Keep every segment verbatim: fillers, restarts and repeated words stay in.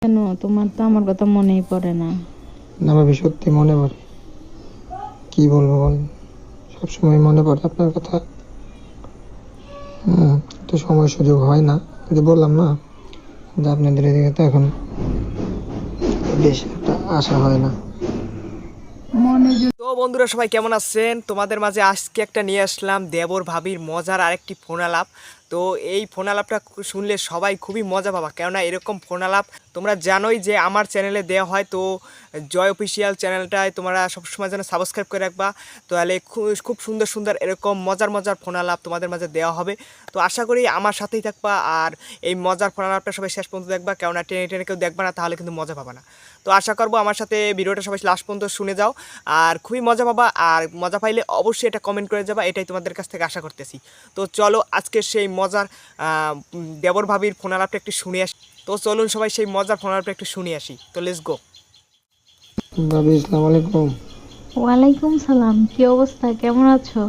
কেন তোমার তো আমার কথা মনেই পড়ে না? না ভাবি, সত্যি মনে পড়ে। কি বলবো বল, সবসময় মনে পড়ে আপনার কথা। হুম তো সময় সুযোগ হয় না, যে বললাম না যে আপনাদের এদিকে তো এখন বেশি একটা আশা হয় না। মনে যদি তো বন্ধুরা সবাই কেমন আছেন? তোমাদের মাঝে আজকে একটা নিয়ে আসলাম দেবর ভাবির মজার আরেকটি ফোন আলাপ। তো এই ফোন আলাপটা শুনলে সবাই খুবই মজা পাবা, কেননা এরকম ফোন আলাপ তোমরা জানোই যে আমার চ্যানেলে দেওয়া হয়। তো জয় অফিসিয়াল চ্যানেলটায় তোমরা সবসময় যেন সাবস্ক্রাইব করে রাখবা, তাহলে খুব সুন্দর সুন্দর এরকম মজার মজার ফোন আলাপ তোমাদের মাঝে দেওয়া হবে। তো আশা করি আমার সাথেই থাকবা, আর এই মজার ফোন আলাপটা সবাই শেষ পর্যন্ত দেখবা, কেননা টেনে টেনে কেউ দেখবা না, তাহলে কিন্তু মজা পাবা না। তো আশা করবো আমার সাথে ভিডিওটা সবাই লাস্ট পর্যন্ত শুনে যাও, আর খুবই মজা পাবা। আর মজা পাইলে অবশ্যই এটা কমেন্ট করে যাবা, এটাই তোমাদের কাছ থেকে আশা করতেছি। তো চলো আজকে সেই মজার দেবর ভাবির ফোন আলাপটা একটু শুনে আসি। তো চলুন সবাই সেই মজার ফোন আলাপটা একটু শুনে আসি। তো লেটস গো। ভাবি, আসসালামু আলাইকুম। ওয়ালাইকুম সালাম, কি অবস্থা, কেমন আছো?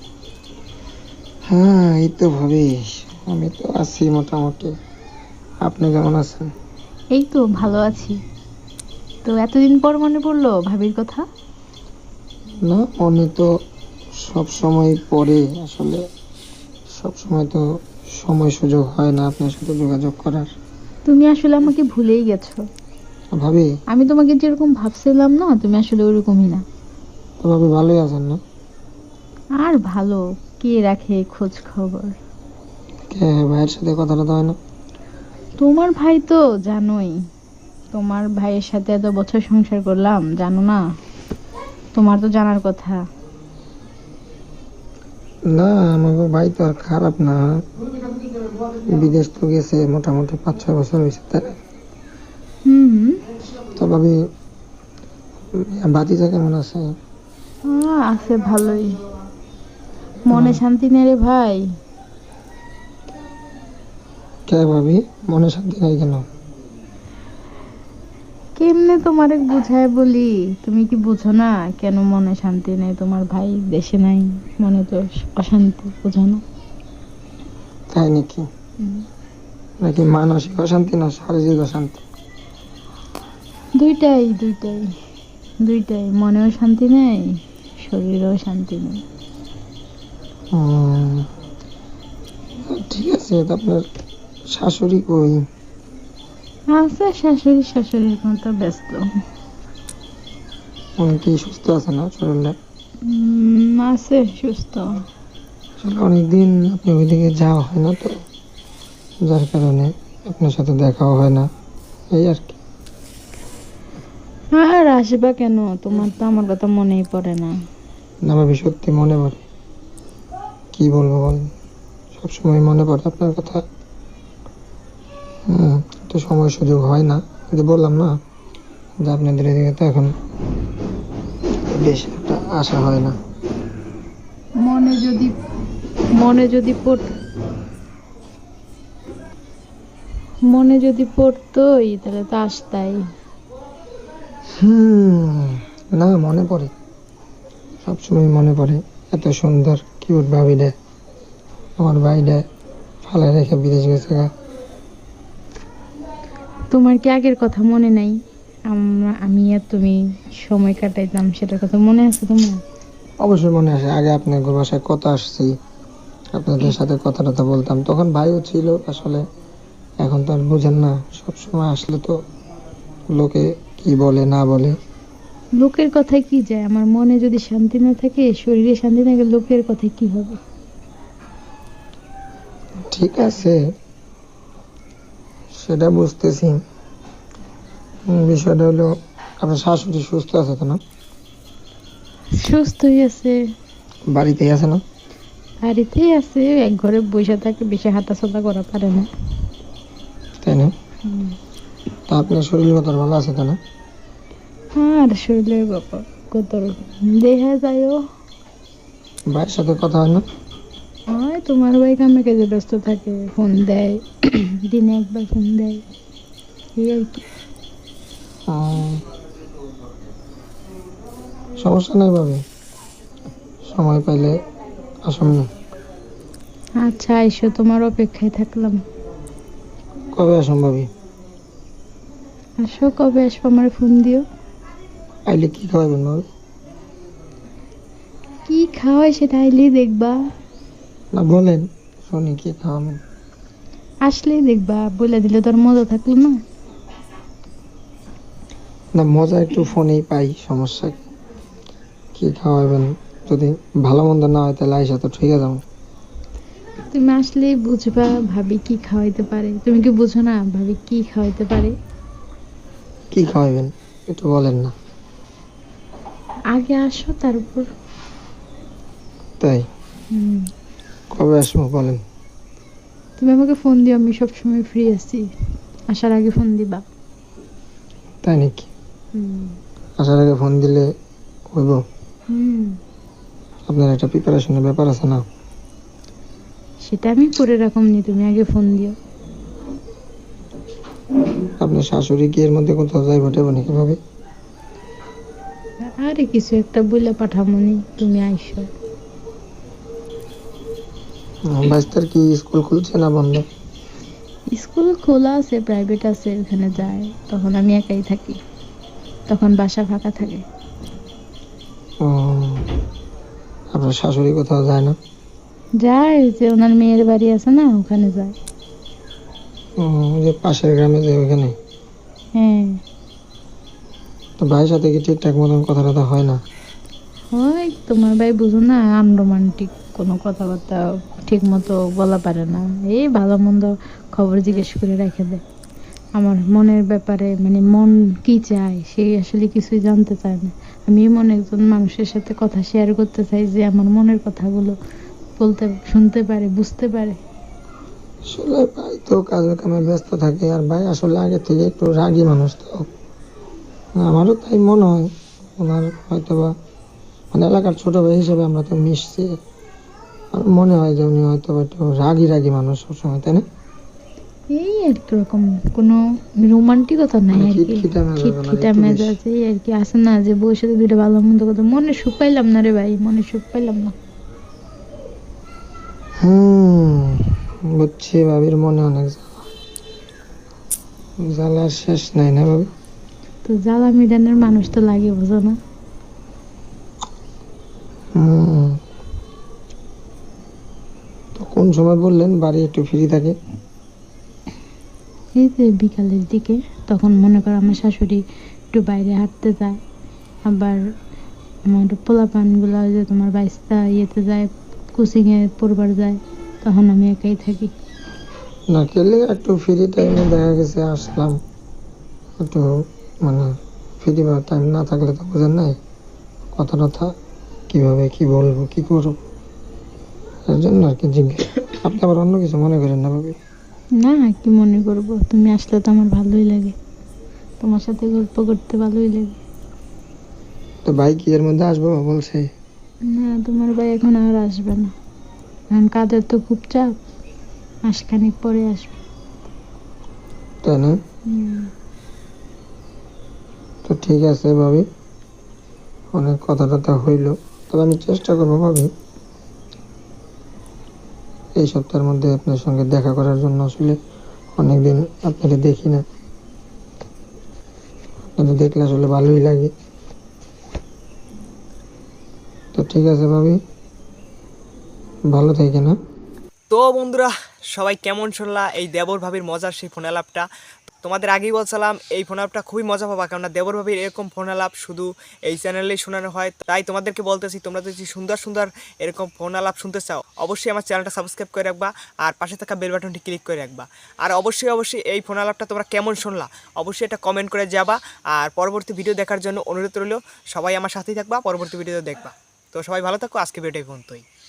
হ্যাঁ এই তো ভাবি, আমি তো আছি মোটামুটি। আপনি কেমন আছেন? এই তো ভালো আছি। তো এতদিন পর মনে পড়লো ভাবির কথা? না, মনে তো সব সময় পড়ে, আসলে সব সময় তো সময় সুযোগ হয় না আপনার সাথে যোগাযোগ করার। তুমি আসলে আমাকে ভুলেই গেছো। ভাবি, আমি তোমাকে যেরকম ভাবছিলাম না, তুমি আসলে ওরকমই না। তো ভাবি ভালোই আছেন না? আর ভালো কে রাখে খোঁজ খবর? কে, ভাইয়ের সাথে কথা টথা হয় না? তোমার ভাই তো জানোই, তোমার ভাইয়ের সাথে এত বছর সংসার করলাম, জানো না? তোমার তো জানার কথা। না, আমাকে ভাই তো আর খারাপ না, বিদেশ তো গেছে মোটামুটি পাঁচ ছয় বছর হয়েছে তাই। হুম। তো ভাবি, ভাতিজা কেমন আছে? আহ, আছে ভালোই। মনে শান্তি নেই রে ভাই। কে ভাবি, মনে শান্তি নাই কেন? কেমনে তোমারে বুঝায় বলি, তুমি কি বুঝো না কেন মনে শান্তি নেই? তোমার ভাই দেশে নাই, মনে তো অশান্তি, বুঝো না? তাই নাকি? হুম। নাকি মানসিক অশান্তি না শারীরিক অশান্তি? দুইটাই দুইটাই দুইটাই, মনেও শান্তি নেই, শরীরেও শান্তি নেই। হুম, ঠিক আছে। তো আপনার শাশুড়ি কই? আছে শাশুড়ি, শাশুড়ির মতো ব্যস্ত। উনি কি সুস্থ আছে না শরীরটা? উম, আছে সুস্থ। আসলে অনেকদিন আপনি ওইদিকে যাওয়া হয় না তো, যার কারণে আপনার সাথে দেখাও হয় না, এই আর কি। আর আসবা কেন, তোমার তো আমার কথা মনেই পড়ে না। না ভাবি, সত্যি মনে পড়ে। কি বলবো বল, সবসময় মনে পড়ে আপনার কথা। হুম তো সময় সুযোগ হয় না, যে বললাম না যে আপনাদের এদিকে তো এখন বেশি একটা আশা হয় না। মনে যদি মনে যদি পড় মনে যদি পড়তোই তাহলে তো আসতাই। হুম না, মনে পড়ে, সবসময় মনে পড়ে। এত সুন্দর কিউট ভাবিলে আমার ভাইলে ফালায় রেখে বিদেশ গেছে গা। তোমার কি আগের কথা মনে নাই? আমরা আমি আর তুমি সময় কাটাইতাম, সেটার কথা মনে আছে তোমার? অবশ্যই মনে আসে, আগে আপনাদের বাসায় কত আসছি, আপনাদের সাথে কথা টথা বলতাম, তখন ভাইও ছিল আসলে। এখন তো আর বুঝেন না, সবসময় আসলে তো লোকে কি বলে না বলে। লোকের কথায় কি যায়? আমার মনে যদি শান্তি না থাকে, শরীরে শান্তি না থাকে, লোকের কথায় কি হবে? ঠিক আছে, সেটা বুঝতেছি। উম, বিষয়টা হলো আপনার শাশুড়ি সুস্থ আছে তো না? সুস্থই আছে, বাড়িতেই আছে না? বাড়িতেই আছে, এক ঘরে বসে থাকে, বেশি হাঁটাচলা করা পারে না। তাই না? হুম। তা আপনার শরীর কত ভালো আছে তো না? আর শরীরের ব্যাপার কত রকম দেখা যায়ও। ভাইয়ের সাথে কথা হয় না? হয়, তোমার ভাই কামে কাজে ব্যস্ত থাকে, ফোন দেয়, দিনে একবার ফোন দেয়, এই আর কি। উম, সমস্যা নেই ভাবি, সময় পাইলে আসুন না। আচ্ছা আইসো, তোমার অপেক্ষায় থাকলাম। কবে আসুন ভাবি? আসো, কবে আসবো আমার ফোন দিও। আইলে কি খাওয়াবেন ভাবি? কি খাওয়াই সেটা আইলেই দেখবা, না বলেন, শুনি কি খাওয়াবেন। আসলেই দেখবা, বলে দিলে তোর মজা থাকলো না। না মজা একটু ফোনেই পাই, সমস্যা কি? কি খাওয়াবেন? যদি ভালো মন্দ না হয় তাহলে আইসা তো ঠিক আছে। তুমি আসলেই বুঝবা ভাবি কি খাওয়াইতে পারে। তুমি কি বুঝো না ভাবি কি খাওয়াইতে পারে? কি খাওয়াবেন একটু বলেন না। আগে আসো তারপর। তাই? হুম। কবে আসবো বলেন? তুমি আমাকে ফোন দিও, আমি সবসময় ফ্রি আছি। আসার আগে ফোন দিবা। তাই নাকি? হুম। আসার আগে ফোন দিলে হইব? হুম। আপনার একটা প্রিপারেশনের ব্যাপার আছে না? সেটা আমি করে রাখুমনি, তুমি আগে ফোন দিও। আপনার শাশুড়ি কি এর মধ্যে কোথাও যাই ঘটে নাকি ভাবে? আরে কিছু একটা বলে পাঠামনি, তুমি আইসো। বাইস্তার কি স্কুল খুলছে না বন্ধ? স্কুল খোলা আছে, প্রাইভেট আছে, ওখানে যায়। তখন আমি একাই থাকি, তখন বাসা ফাঁকা থাকে। ও, আপনার শাশুড়ি কোথাও যায় না? যায়, ওই যে ওনার মেয়ের বাড়ি আছে না, ওখানে যায়। ও, ওই যে পাশের গ্রামে যে ওইখানে? হ্যাঁ। তো ভাইয়ের সাথে কি ঠিকঠাক মতন কথা টথা হয় না? ওই তোমার ভাই বুঝো না, আনরোমান্টিক, কোনো কথাবার্তা ঠিক মতো বলা পারে না। এই ভালো মন্দ খবর জিজ্ঞেস করে রেখে দেয়। আমার মনের ব্যাপারে, মানে মন কি চায় সে আসলে কিছুই জানতে চায় না। আমি এমন একজন মানুষের সাথে কথা শেয়ার করতে চাই যে আমার মনের কথাগুলো বলতে, শুনতে পারে, বুঝতে পারে। আসলে ভাই তো কাজে কামে ব্যস্ত থাকে, আর ভাই আসলে আগে থেকে একটু রাগী মানুষ তো। আমারও তাই মনে হয়। ওনার হয়তো বা মানে এলাকার ছোট ভাই হিসেবে আমরা তো মিশছি। আমার মনে হয় যে উনি হয়তো বা একটু রাগী রাগী মানুষ সবসময়, তাই না? এই আর কি রকম কোনো রোমান্টিকতা নাই মানে আর কি, খিটখিটা মেজাজ ওনার খিটখিটা একটু বেশি। মেজাজ, এই আর কি আছে না যে বউয়ের সাথে দুইটা ভালো মন্দ কথা। মনে সুখ পাইলাম না রে ভাই, মনে সুখ পাইলাম না। হুম, বুঝছি। ভাবির মনে অনেক জ্বালা, জ্বালার শেষ নাই না ভাবি? তো জ্বালা মিডানের মানুষ তো লাগে, বুঝো না? হুম। তো কোন সময় বললেন বাড়ি একটু ফ্রি থাকে? এই যে বিকালের দিকে, তখন মনে করো আমার শাশুড়ি একটু বাইরে হাঁটতে যায়, আবার আমার পোলাপানগুলো ওই যে তোমার বাইস্তা ইয়েতে যায়, কোচিংয়ে পড়বার যায়, তখন আমি একাই থাকি। না খেলে একটু ফ্রি টাইমে দেখা গেছে আসলাম একটু, মানে ফ্রি টাইম না থাকলে তো বোঝেন নাই কথা টথা কিভাবে কি বলবো কি করবো, এর জন্য আর কি জিজ্ঞেস। আপনি আবার অন্য কিছু মনে করেন না ভাবি? না, কি মনে করব, তুমি আসলে তো আমার ভালোই লাগে, তোমার সাথে গল্প করতে ভালোই লাগে। তো ভাই কি এর মধ্যে আসবো বলছে? না, তোমার ভাই এখন আর আসবে না, কারণ কাজের তো খুব চাপ, মাসখানেক পরে আসবে। তাই না? হুম। তো ঠিক আছে ভাবি, অনেক কথা টথা হইলো। তবে আমি চেষ্টা করবো ভাবি এই সপ্তাহের মধ্যে আপনার সঙ্গে দেখা করার জন্য। আসলে অনেকদিন আপনাকে দেখি না, আপনাকে দেখলে আসলে ভালোই লাগে। তো ঠিক আছে ভাবি, ভালো থাকে না? তো বন্ধুরা, সবাই কেমন শুনলা এই দেবর ভাবির মজার সেই ফোন আলাপটা? তোমাদের আগেই বলছিলাম এই ফোন আলাপটা খুবই মজা পাবা, কারণ দেবর ভাবির এরকম ফোন আলাপ শুধু এই চ্যানেলেই শোনানো হয়। তাই তোমাদেরকে বলতেছি, তোমরা যদি সুন্দর সুন্দর এরকম ফোন আলাপ শুনতে চাও, অবশ্যই আমার চ্যানেলটা সাবস্ক্রাইব করে রাখবা, আর পাশে থাকা বেল বাটনটি ক্লিক করে রাখবা। আর অবশ্যই অবশ্যই এই ফোন আলাপটা তোমরা কেমন শুনলা অবশ্যই এটা কমেন্ট করে যাবা। আর পরবর্তী ভিডিও দেখার জন্য অনুরোধ রইল, সবাই আমার সাথেই থাকবা, পরবর্তী ভিডিও দেখবা। তো সবাই ভালো থাকো, আজকে ভিডিও পর্যন্তই।